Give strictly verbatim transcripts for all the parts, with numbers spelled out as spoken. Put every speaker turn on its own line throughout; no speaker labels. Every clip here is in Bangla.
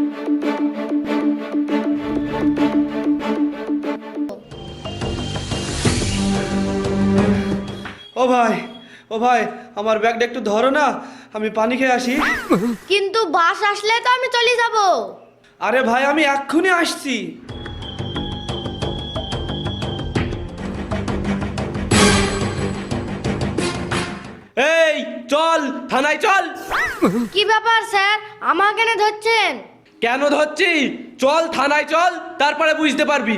ও ভাই, ও ভাই, আমার ব্যাগটা একটু ধরো না, আমি পানি খেয়ে আসি।
কিন্তু বাস আসলে তো আমি চলে যাব।
আরে ভাই, আমি এক্ষুনি আসছি। এই চল, থানায় চল।
কি ব্যাপার স্যার, আমাকে কেন ধরছেন?
কেন ধরছি? চল থানায় চল, তারপরে বুঝতে পারবি।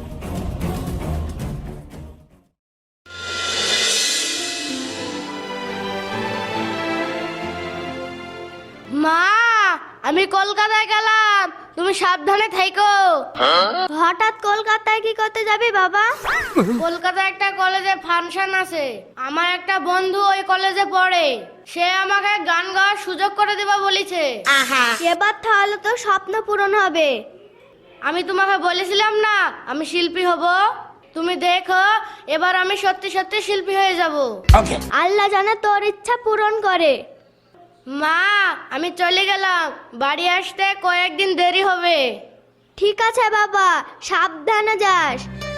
মা, আমি কলকাতায় গেলাম, তুমি সাবধানে থেকো। হঠাৎ কলকাতায় কি করতে যাবি বাবা? কলকাতায় একটা কলেজে ফাংশন আছে, আমার একটা বন্ধু ওই কলেজে পড়ে, সে আমাকে গান গাওয়ার সুযোগ করে দেবা বলেছে। এবার তাহলে তো স্বপ্ন পূরণ হবে। আমি তোমাকে বলেছিলাম না আমি শিল্পী হব, তুমি দেখো এবার আমি সত্যি সত্যি শিল্পী হয়ে যাব। আল্লাহ জানে তোর ইচ্ছা পূরণ করে। মা, আমি চলে গেলাম, বাড়ি আসতে কয়েকদিন দেরি হবে। ঠিক আছে বাবা, সাবধানে যাস।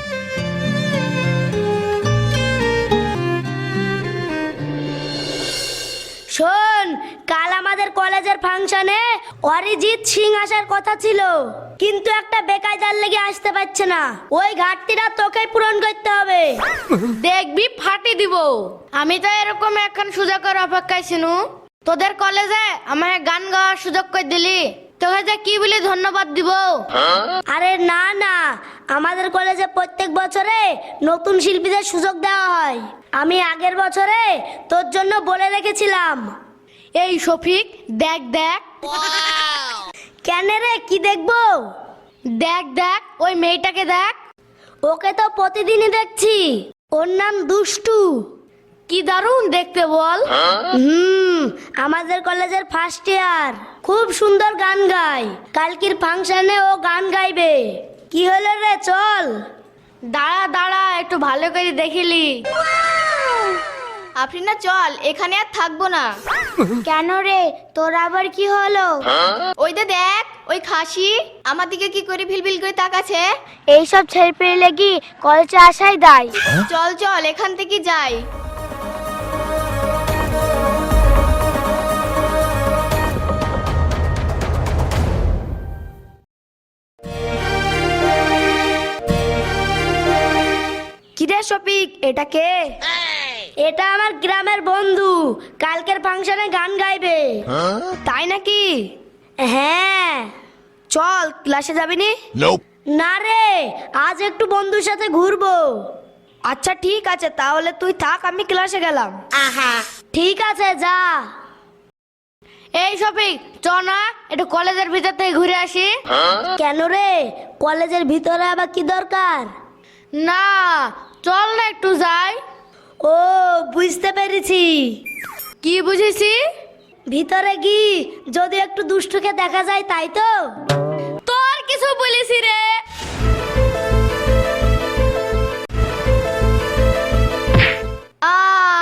শোন, কাল আমাদের কলেজের ফাংশনে অরিজিৎ সিং আসার কথা ছিল, কিন্তু একটা বেকায়দার লেগে আসতে পারছে না। ওই ঘাটতিটা তোকেই পূরণ করতে হবে। দেখবি ফাটি দিব। আমি তো এরকম এখন সুযোগের অপেক্ষায় ছিল। তোদের কলেজে আমাকে গান গাওয়ার সুযোগ করে দিলি, তোকে যে কি বলে ধন্যবাদ দিব? আরে না না, আমাদের কলেজে প্রত্যেক বছরে নতুন শিল্পীদের সুযোগ দেওয়া হয়। আমি আগের বছরে তোর জন্য বলে রেখেছিলাম। এই শফিক, দেখ দেখ। কেন রে, কি দেখবো? দেখ দেখ, ওই মেয়েটাকে দেখ। ওকে তো প্রতিদিনই দেখছি, ওর নাম দুষ্টু। কি দারুণ দেখতে বল। হুম, আমাদের কলেজের ফার্স্ট ইয়ার, খুব সুন্দর গান গায়। কালকের ফাংশনে ও গান গাইবে। কি হলো রে, চল। দাঁড়া দাঁড়া, একটু ভালো করে দেখিলি।
আপনি না চল, এখানে আর থাকবো না।
কেন রে, তোর আবার কি হলো?
ওই দে দেখ, ওই খাসি আমার দিকে কি করে ভিলভিল করে তাকাচ্ছে।
এইসব ছেড়ে পেয়ে লেগি কলেজে আসাই দায়।
চল চল, এখান থেকে যাই।
কিরে শফিক, এটা কে? এটা আমার গ্রামের বন্ধু, কালকের ফাংশনে গান গাইবে। তাই নাকি? হ্যাঁ। চল, ক্লাসে যাবি নি? না রে, আজ একটু বন্ধুর সাথে ঘুরবো। আচ্ছা ঠিক আছে, তাহলে তুই থাক, আমি ক্লাসে গেলাম। ঠিক আছে, যা। এই শফিক, চ না একটু কলেজের ভিতর থেকে ঘুরে আসি। কেন রে, কলেজের ভিতরে আবার কি দরকার? না, চল না একটু যাই। ও, বুঝতে পেরেছি। কি বুঝেছি? ভিতরে কি যদি একটু দুষ্টুকে দেখা যায়, তাই তো? তোর কিছু বলেছি রে? আ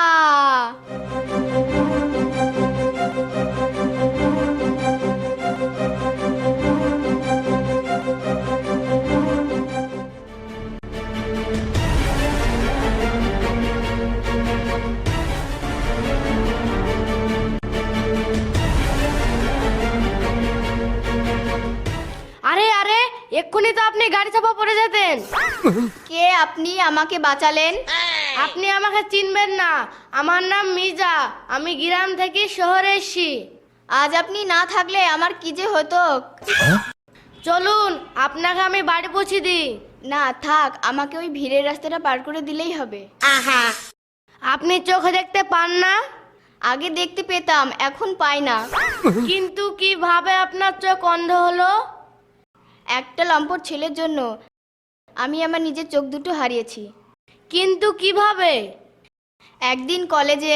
আরে আরে, এক্ষুনি তো আপনি গাড়ি চাপা পড়ে যেতেন।
কে আপনি, আমাকে বাঁচালেন?
আপনি আমাকে চিনবেন না, আমার নাম মির্জা, আমি গ্রাম থেকে শহরে এসেছি।
আজ আপনি না থাকলে আমার কি যে হতো।
চলুন, আপনাকে আমি বাড়ি পৌঁছে দিই।
না থাক, আমাকে ওই ভিড়ের রাস্তাটা পার করে দিলেই হবে।
আপনি চোখে দেখতে পান না?
আগে দেখতে পেতাম, এখন পাই না।
কিন্তু কিভাবে আপনার চোখ অন্ধ হলো?
একটা লম্পট ছেলের জন্য আমি আমার নিজের চোখ দুটো হারিয়েছি।
কিন্তু কিভাবে?
একদিন কলেজে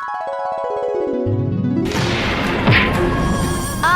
আ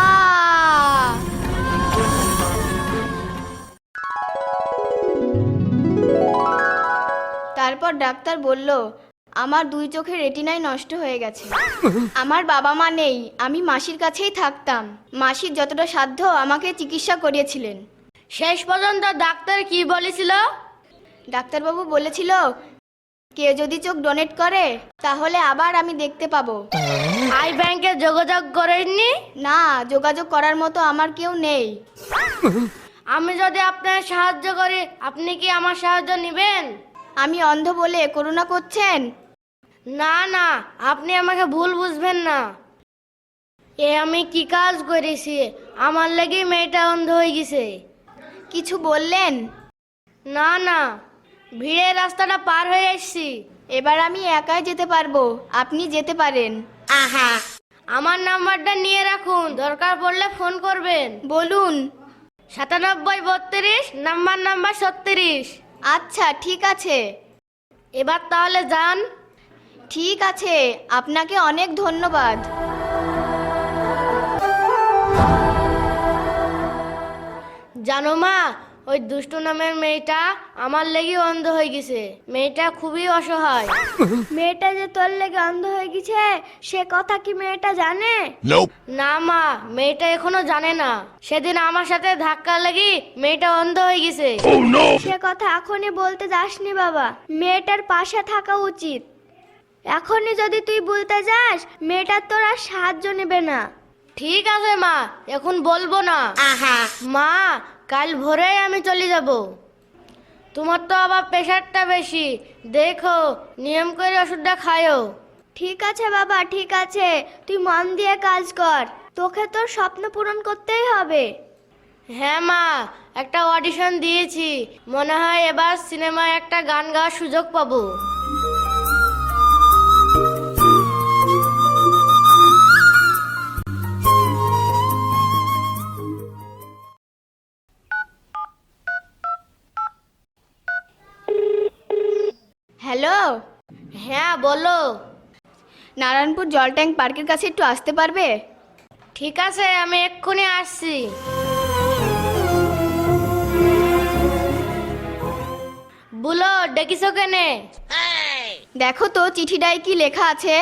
তারপর ডাক্তার বলল আমার দুই চোখের রেটিনাই নষ্ট হয়ে গেছে। আমার বাবা মা নেই, আমি মাসির কাছেই থাকতাম। মাসির যতটা সাধ্য আমাকে চিকিৎসা করিয়েছিলেন।
শেষ পর্যন্ত ডাক্তার কি বলেছিল?
ডাক্তারবাবু বলেছিল কেউ যদি চোখ ডোনেট করে তাহলে আবার আমি দেখতে পাবো।
আই ব্যাংকে যোগাযোগ করেননি?
না, যোগাযোগ করার মতো আমার কেউ নেই।
আমি যদি আপনার সাহায্য করি, আপনি কি আমার সাহায্য নেবেন?
আমি অন্ধ বলে করুণা করছেন?
না না, আপনি আমাকে ভুল বুঝবেন না। এ আমি কি কাজ করেছি? আমার লাগি মেয়েটা অন্ধ হয়ে গেছে।
কিছু বললেন?
না না, ভিড়ের রাস্তাটা পার হয়ে এসেছি।
এবার আমি একাই যেতে পারবো, আপনি যেতে পারেন।
আহা, আমার নাম্বারটা নিয়ে রাখুন, দরকার পড়লে ফোন করবেন।
বলুন।
সাতানব্বই বত্রিশ নাম্বার নাম্বার ছত্রিশ।
আচ্ছা ঠিক আছে।
এবার তাহলে যান।
ঠিক আছে, আপনাকে অনেক ধন্যবাদ।
জানো মা, ওই দুষ্টু নামের মেয়েটা আমার লেগে অন্ধ হয়ে গেছে। মেয়েটা খুবই অসহায়।
মেয়েটা যে তোর লেগে অন্ধ হয়ে গেছে সে কথা কি মেয়েটা জানে?
না মা, মেয়েটা এখনো জানে না। সেদিন আমার সাথে ধাক্কা লেগে মেয়েটা অন্ধ হয়ে গেছে।
সে কথা এখনই বলতে যাসনি বাবা, মেয়েটার পাশে থাকা উচিত। এখনই যদি তুই বলতে যাস মেয়েটার তোর আর সাহায্য নেবে না।
ঠিক আছে মা, এখন বলবো না। মা, কাল ভোরেই আমি চলে যাব। তোমার তো আবার প্রেশারটা বেশি, দেখো নিয়ম করে ওষুধটা খায়ও।
ঠিক আছে বাবা, ঠিক আছে, তুই মন দিয়ে কাজ কর। তোকে তোর স্বপ্ন পূরণ করতেই হবে।
হ্যাঁ মা, একটা অডিশন দিয়েছি, মনে হয় এবার সিনেমায় একটা গান গাওয়ার সুযোগ পাবো।
হ্যালো।
হ্যাঁ বলো।
নারায়ণপুর জল ট্যাঙ্ক পার্কের কাছে একটু আসতে পারবে?
ঠিক আছে, আমি এক্ষুনি আসছি। বলো, ডেকেছো কেনে?
দেখো তো চিঠিটায় কি লেখা আছে।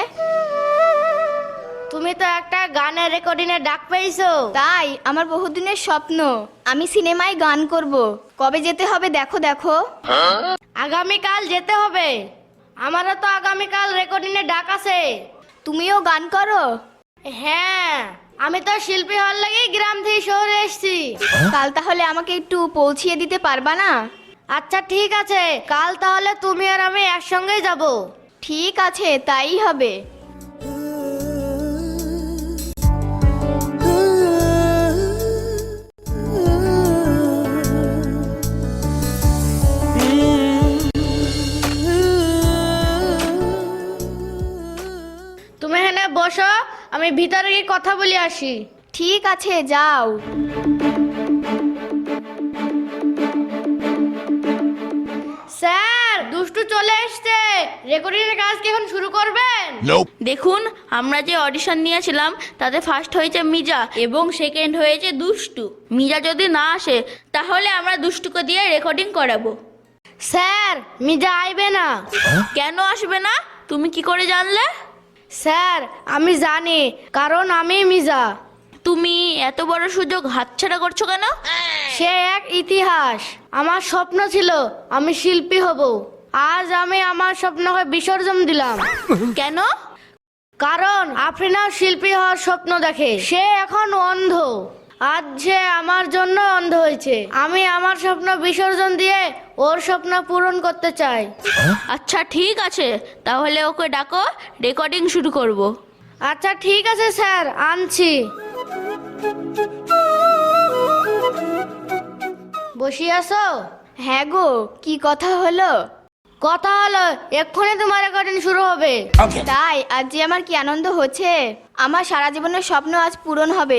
তুমি তো একটা গানের রেকর্ডিং এ ডাক পেয়েছো।
তাই আমার বহুদিনের স্বপ্ন, আমি সিনেমায় গান করব। কবে যেতে হবে দেখো দেখো।
আগামীকাল যেতে হবে। আমারও তো আগামীকাল রেকর্ডিং এ ডাক আছে।
তুমিও গান করো?
হ্যাঁ, আমি তো শিল্পী হওয়ার লাগি গ্রাম থেকে শহরে এসেছি।
কাল তাহলে আমাকে একটু পৌঁছিয়ে দিতে পারবা না?
আচ্ছা ঠিক আছে, কাল তাহলে তুমি আর আমি একসঙ্গেই যাব।
ঠিক আছে, তাই হবে।
তুমি এখানে বসো, আমি ভিতরে গিয়ে কথা বলে আসি।
ঠিক আছে, যাও।
স্যার, দুষ্টু চলে এসেছে। রেকর্ডিং এর কাজ কি এখন শুরু করবেন?
দেখুন, আমরা যে অডিশন নিয়েছিলাম তাতে ফার্স্ট হয়েছে মিজা এবং সেকেন্ড হয়েছে দুষ্টু। মিজা যদি না আসে তাহলে আমরা দুষ্টুকে দিয়ে রেকর্ডিং করাবো।
স্যার, মিজা আইবে না।
কেন আসবে না? তুমি কি করে জানলে?
স্যার, আমি জানি, কারণ আমি মিজা।
তুমি এত বড় সুযোগ হাতছাড়া করছো কেন?
সে এক ইতিহাস। আমার স্বপ্ন ছিল আমি শিল্পী হব। আজ আমি আমার স্বপ্নকে বিসর্জন দিলাম।
কেন?
কারণ আফরিনাও শিল্পী হওয়ার স্বপ্ন দেখে। সে এখন অন্ধ। আজ সে আমার জন্য অন্ধ হয়েছে। আমি আমার স্বপ্ন বিসর্জন দিয়ে ওর স্বপ্ন পূরণ করতে চাই।
আচ্ছা ঠিক আছে, তাহলে ওকে ডাকো, রেকর্ডিং শুরু করব।
আচ্ছা ঠিক আছে স্যার, আনছি। বসে আছো?
হ্যাঁ গো, কি কথা হলো?
কথা হলো এক্ষুনি তোমার রেকর্ডিং শুরু হবে।
তাই? আজ যে আমার কি আনন্দ হচ্ছে। আমার সারা জীবনের স্বপ্ন আজ পূরণ হবে।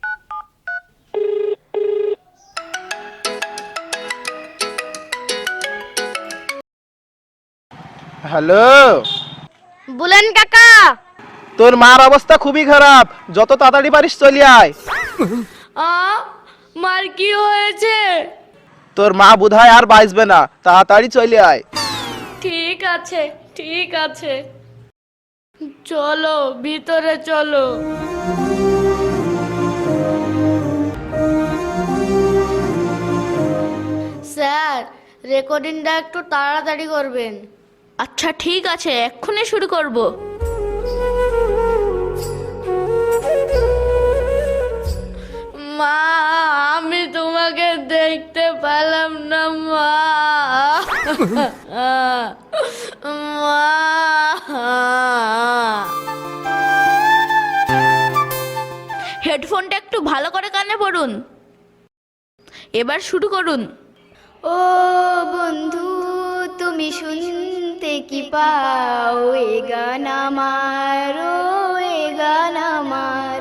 হ্যালো,
বলেন কাকা।
তোর মার অবস্থা খুবই খারাপ, যত তাড়াতাড়ি পারিস চলে আয়।
আ মার কি হয়েছে?
তোর মা বোধহয় আর বাঁচবে না, তাড়াতাড়ি চলে আয়।
ঠিক আছে ঠিক আছে, চলো ভিতরে চলো। স্যার, রেকর্ডিংটা একটু তাড়াতাড়ি করবেন। আচ্ছা ঠিক আছে, এক্ষুনি শুরু করব। মা, আমি তোমাকে দেখতে পেলাম না মা। মা, হেডফোনটা একটু ভালো করে কানে পড়ুন, এবার শুরু করুন।
ও বন্ধু, তুমি শুনতে কি পাও, এ গান আমার, ও এ গান আমার।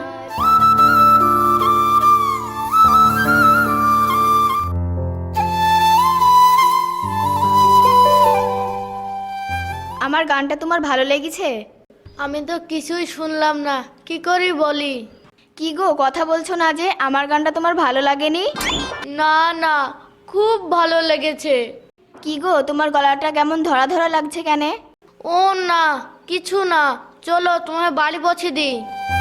আমার গানটা তোমার ভালো লেগেছে?
আমি তো কিছুই শুনলাম না, কি করি বলি?
কি গো, কথা বলছো না যে? আমার গানটা তোমার ভালো লাগেনি?
না না, খুব ভালো লেগেছে।
কি গো, তোমার গলাটা কেমন ধরা ধরা লাগছে কেন?
ও না, কিছু না, চলো তোমার বাড়ি পৌঁছে দিই।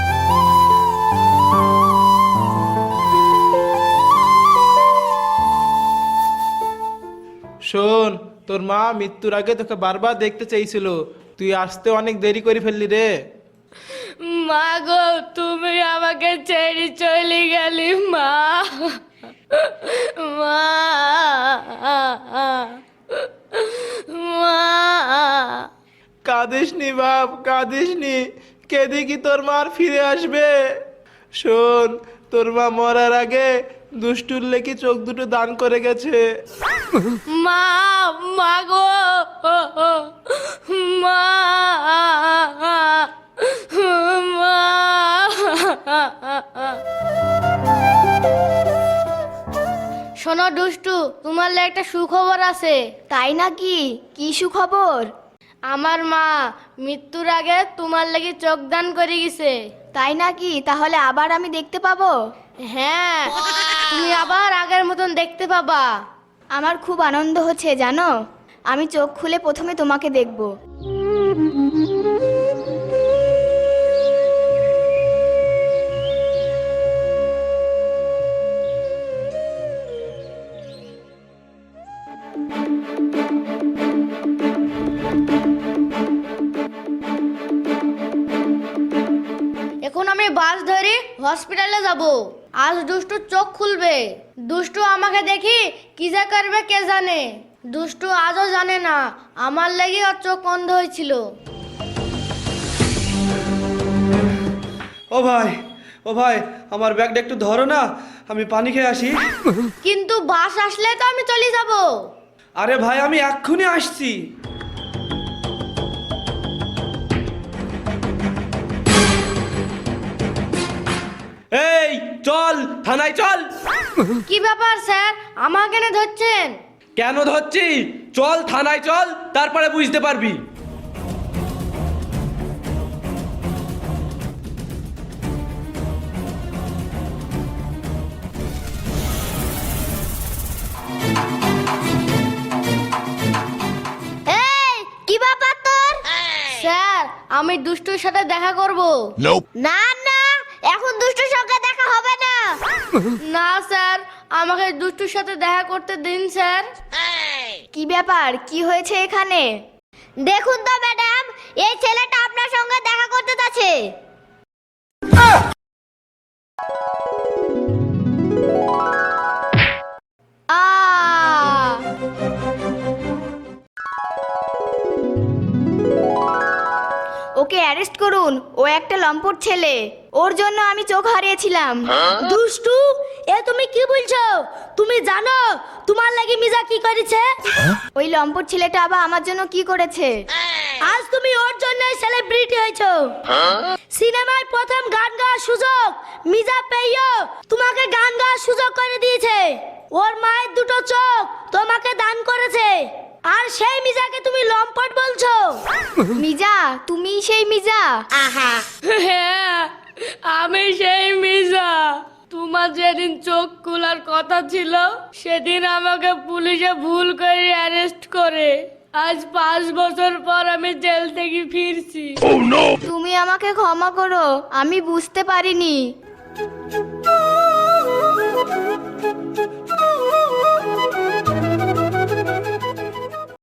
শোন, তোর মা মৃত্যুর আগে তোকে বারবার দেখতে চাইছিল, তুই আসতে অনেক দেরি করে ফেললি রে।
মা গো, তুমি আমাকে ছেড়ে চলে গেলি মা। মা, মা।
কাঁদিস নি বাপ, কাঁদিস নি, কেঁদে কি তোর মার ফিরে আসবে? শোন, তোর মা মরার আগে দুষ্টুর লেখি চোখ দুটো দান করে গেছে।
মা, মা গো, মা, মা। শোনো দুষ্টু, তোমার লে একটা সুখবর আছে।
তাই নাকি? কি সুখবর?
আমার মা মৃত্যুর আগে তোমার লাগি চোখ দান করে গেছে।
তাই নাকি? তাহলে আবার আমি দেখতে পাবো?
হ্যাঁ, তুমি আবার আগের মতন দেখতে পাবা।
আমার খুব আনন্দ হচ্ছে জানো, আমি চোখ খুলে প্রথমে তোমাকে দেখব।
এখন আমি বাস ধরে হসপিটালে যাব। আজ দুষ্টু চোখ খুলবে। দুষ্টু আমাকে দেখি কি যা করবে কে জানে। দুষ্টু আজও জানে না আমার লাগি ওর চোখ বন্ধ হয়েছিল।
ও ভাই, ও ভাই, আমার ব্যাগটা একটু ধরো না, আমি পানি খেয়ে আসি।
কিন্তু বাস আসলে তো আমি চলে যাব।
আরে ভাই, আমি এক্ষুনি আসছি। এই চল, থানায় চল।
কি ব্যাপার স্যার, আমাকে কেন ধরছেন?
কেন ধরছি? চল থানায় চল, তারপরে বুঝতে পারবি।
এই কি ব্যাপার তোর?
স্যার, আমি দুষ্টুর সাথে দেখা করব।
না না, এখন দুষ্টুর সঙ্গে দেখা হবে না।
না স্যার, আমাকে দুষ্টুর সাথে দেখা করতে দিন স্যার।
কি ব্যাপার, কি হয়েছে এখানে?
দেখুন তো ম্যাডাম, এই ছেলেটা আপনার সঙ্গে দেখা করতে যাচ্ছে।
আ ওকে অ্যারেস্ট করুন, ও একটা লম্পট ছেলে, ওর জন্য আমি চোখ হারিয়েছিলাম।
দুষ্টু, এ তুমি কি বলছো? তুমি জানো তোমার লাগি মিজা কি করেছে?
ওই লম্পট ছেলেটা আবার আমার জন্য কি করেছে?
আজ তুমি ওর জন্য সেলিব্রিটি হয়েছো। সিনেমায় প্রথম গান গাওয়ার সুযোগ মিজা পেয়েও তোমাকে গান গাওয়ার সুযোগ করে দিয়েছে। ওর মায়ের দুটো চোখ তোমাকে দান করেছে, আর সেই মিজাকে তুমি লম্পট বলছো?
মিজা, তুমি সেই মিজা?
হ্যাঁ, আমি সেই মিজা। তোমার যেদিন চোখ খোলার কথা ছিল সেদিন আমাকে পুলিশে ভুল করে অ্যারেস্ট করে আজ পাঁচ বছর পর আমি জেল থেকে ফিরছি।
তুমি আমাকে ক্ষমা করো, আমি বুঝতে পারিনি।